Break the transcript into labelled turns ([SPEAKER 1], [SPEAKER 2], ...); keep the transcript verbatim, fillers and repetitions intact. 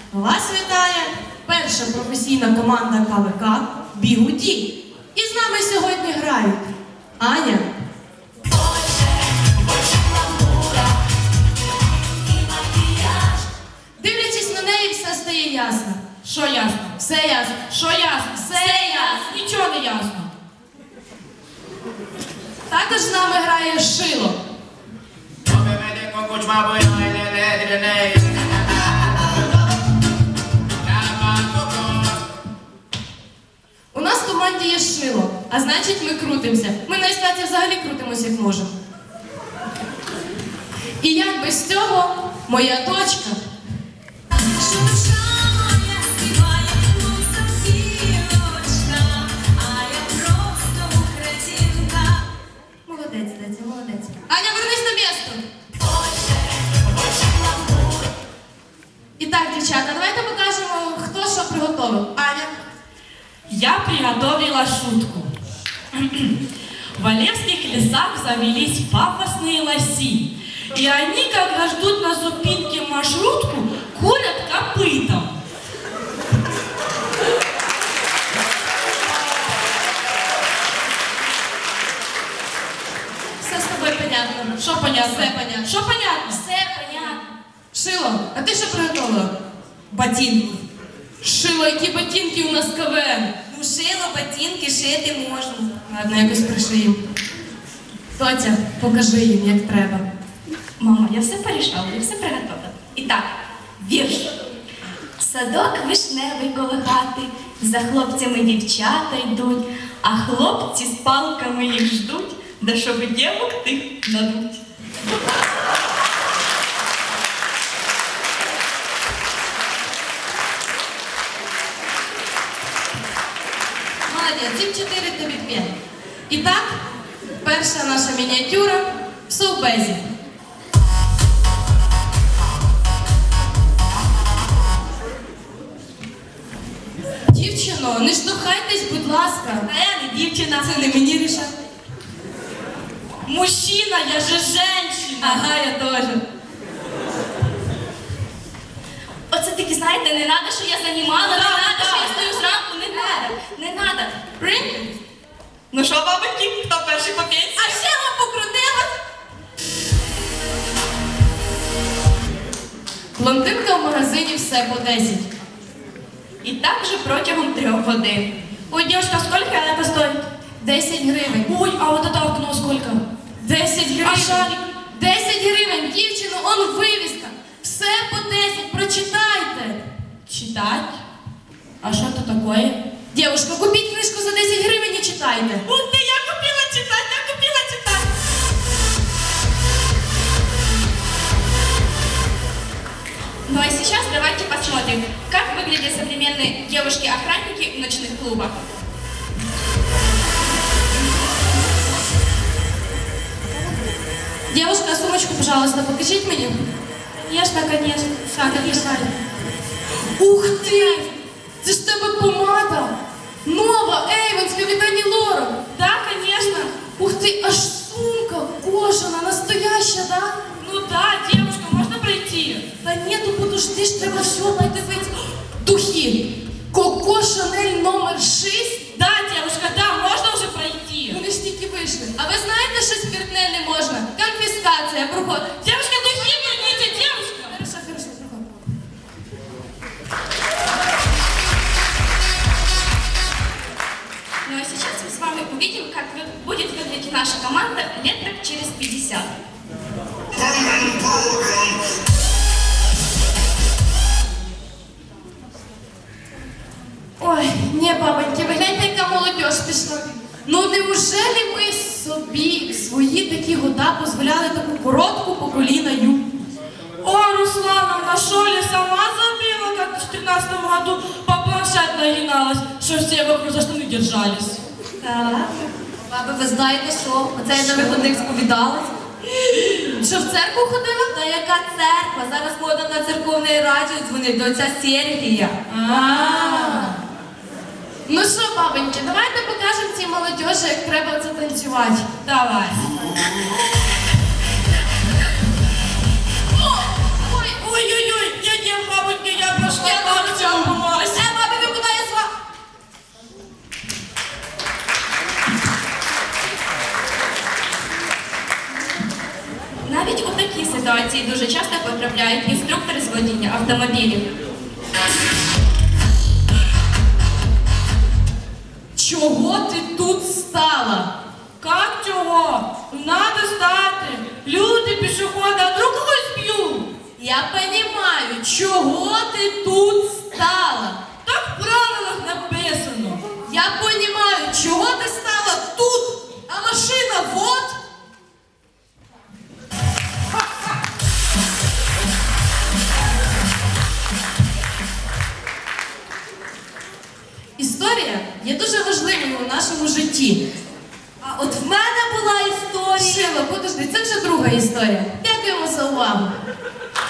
[SPEAKER 1] Вас вітає перша професійна команда КВК «Бігуді». І з нами сьогодні грають Аня, дивлячись на неї, все стає ясно.
[SPEAKER 2] Що ясно?
[SPEAKER 1] Все ясно.
[SPEAKER 2] Що ясно?
[SPEAKER 1] Все ясно.
[SPEAKER 2] Нічого не ясно.
[SPEAKER 1] Також з нами грає Шило. У нас в команді є Шило, а значить ми крутимося. Ми на естраді взагалі крутимося як можемо. І як без цього моя дочка. Молодець, Деця, молодець. Аня, вернись на місто. І так, дівчата, давайте покажемо, хто що приготовив. Аня.
[SPEAKER 2] Я приготовила шутку. В Олевских лесах завелись пафосные лоси. И они, когда ждут на зупинке маршрутку, курят копытом.
[SPEAKER 1] Все з тобою понятно.
[SPEAKER 2] Що понятно?
[SPEAKER 1] Все понятно.
[SPEAKER 2] Що понятно?
[SPEAKER 1] Все понятно. Шило, а ти що приготовила?
[SPEAKER 3] Ботинки.
[SPEAKER 1] Шило, які ботинки у нас КВН.
[SPEAKER 3] Ну, шило, ботинки шити можна.
[SPEAKER 1] Ладно, якось пришиємо. Тоця, покажи їм, як треба.
[SPEAKER 4] Мама, я все порішала, я все приготовила. І так, вірш. Садок вишневий коло хати, за хлопцями дівчата йдуть, а хлопці з палками їх ждуть, да щоб дівок тих надуть.
[SPEAKER 1] Молодець, цим чотири тобі п'ять. І так, перша наша мініатюра в совбезі. Дівчино, не штовхайтесь, будь ласка.
[SPEAKER 4] А я не дівчина.
[SPEAKER 1] Це не мені рішати.
[SPEAKER 2] Мужчина, я же женщина.
[SPEAKER 1] Ага, я теж.
[SPEAKER 4] Оце таки, знаєте, не треба, що я займала, не
[SPEAKER 2] Да,
[SPEAKER 4] треба,
[SPEAKER 2] да.
[SPEAKER 4] що я стою зранку, не треба, не треба.
[SPEAKER 1] Прийняти?
[SPEAKER 4] Ну що, бабики, хто перший по п'ять?
[SPEAKER 1] А ще вам покрутилась? Блондинка в магазині все по десять.
[SPEAKER 4] І так же протягом трьох годин.
[SPEAKER 2] Ой, девушка, сколько это стоит?
[SPEAKER 1] десять гривень.
[SPEAKER 2] Ой, а вот это окно сколько?
[SPEAKER 1] десять
[SPEAKER 2] А
[SPEAKER 1] гривень.
[SPEAKER 2] шарик?
[SPEAKER 1] десять гривень. Дівчино, он вивіска. Все по десять. Прочитайте.
[SPEAKER 2] Читать? А что это такое?
[SPEAKER 1] Дівушка, купіть книжку за десять гривень і читайте.
[SPEAKER 2] Ух ты, я купила читать, я купила читать.
[SPEAKER 4] Ну а сейчас давайте посмотрим, как выглядят современные девушки-охранники в ночных клубах.
[SPEAKER 1] Дівушка, сумочку, пожалуйста, покажіть мені.
[SPEAKER 2] Конечно, конечно.
[SPEAKER 1] Так, конечно. Ух ти! Це ж тебе помада. Нова, Ейвенська від Ані Лорак.
[SPEAKER 2] Да, конечно.
[SPEAKER 1] Ух ти, аж сумка кожана, настояща, да?
[SPEAKER 2] Ну да, девушка, можно пройти?
[SPEAKER 1] Та ні, то подожди ж, треба все надивитися. Духи. Коко Шанель номер шість.
[SPEAKER 2] Да, девушка, да, можно уже пройти.
[SPEAKER 1] Вони ж тільки вийшли. А ви знаєте, що спиртне не можна? Конфіскація, проходить.
[SPEAKER 2] Девушка, духи верните, девушка.
[SPEAKER 1] Хорошо, хорошо, проходь.
[SPEAKER 4] Ну а сейчас мы с вами увидим, как вы- будет выглядеть наша команда лет так через пятьдесят.
[SPEAKER 1] Ой, ні, бабоньки, ви гляньте, яка молодь пішла. Ну неужели ми собі в свої такі года дозволяли таку коротку по коліна юбку?
[SPEAKER 2] О, Руслановна, что ли, сама забила, как в четырнадцатом году по планшет нагиналась, что все вокруг за штаны держались.
[SPEAKER 1] Так. Баби, ви знаєте що? Оце я на виходних сповідалась. Що в церкву ходила?
[SPEAKER 3] Та яка церква? Зараз мода на церковний радіо дзвонить до отця Сергія.
[SPEAKER 1] Ну що, бабоньки, давайте покажемо цій молодежі, як треба це танцювати.
[SPEAKER 2] Давай. Ой, ой-ой-ой, я не бабоньки, я пошла.
[SPEAKER 1] Чого ти тут стала?
[SPEAKER 2] Как чего? Надо стати. Люди, пішоходи, а вдруг когось б'ють?
[SPEAKER 1] Я понімаю, чого ти тут стала?
[SPEAKER 2] Так в правилах написано.
[SPEAKER 1] Я понімаю, чого ти стала тут, а машина вот. Історія є дуже важливою у нашому житті.
[SPEAKER 3] А от в мене була історія.
[SPEAKER 1] Шила, подожди, це вже друга історія. Дякуємо за увагу.